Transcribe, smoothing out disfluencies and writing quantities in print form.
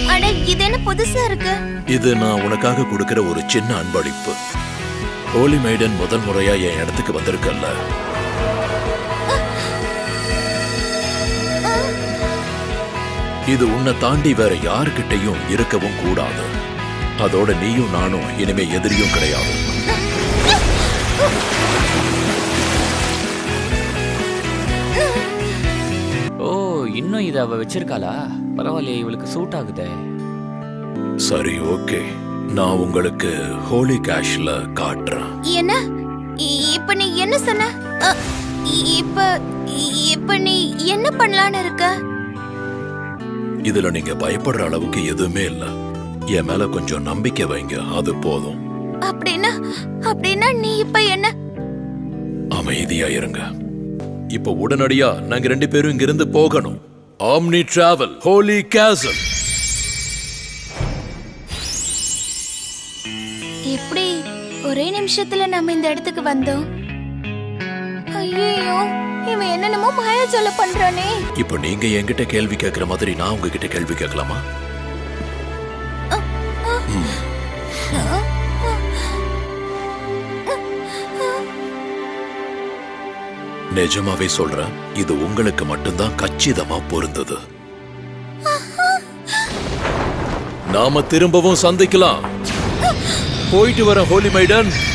அட இது என்ன புதுசா இருக்கு? இது நான் உனக்காக கொடுக்கிற ஒரு சின்ன அன்பளிப்பு. ஹோலி மைடன் முதல் முறையா என் இடத்துக்கு வந்திருக்கல்ல. இது உன்னை தாண்டி வேற யாருக்கிட்டையும் இருக்கவும் கூடாது. அதோட நீயும் நானும் இனிமே எதிரியும் கிடையாது. ஓ, இன்னும் இத அவ வச்சிருக்காளா? பரவாயில்லையே, இவளுக்கு சூட் ஆகுதே. சரி, ஓகே, நான் உங்களுக்கு ஹோலி கேஷ்ல காட்டுறேன். என்ன? இப்ப நீ என்ன சொன்ன? இப்ப இப்ப நீ என்ன பண்ணலான்னு இருக்க? இதுல நீங்க பயப்படுற அளவுக்கு எதுவுமே இல்ல. என் மேல கொஞ்சம் நம்பிக்கை வைங்க, அது போதும். அப்படின்னா நீ இப்ப என்ன? அமைதியா இருங்க. இப்ப உடனடியா நாங்க 2 பேரும் இங்கிருந்து போகணும். ஆம்னி டிராவல் ஹோலி கேசல். எப்படி ஒரே நிமிஷத்துல நம்ம இந்த இடத்துக்கு வந்தோம்? ஐயோ, இவன் என்னென்னமோ மாயாஜால பண்றானே. இப்ப நீங்க என்கிட்ட கேள்வி கேட்கிற மாதிரி நான் உங்ககிட்ட கேள்வி கேட்கலாமா? நிஜமாவே சொல்றேன், இது உங்களுக்கு மட்டும்தான் கச்சிதமா பொருந்தது. நாம திரும்பவும் சந்திக்கலாம். போயிட்டு வர ஹோலி மைடன்.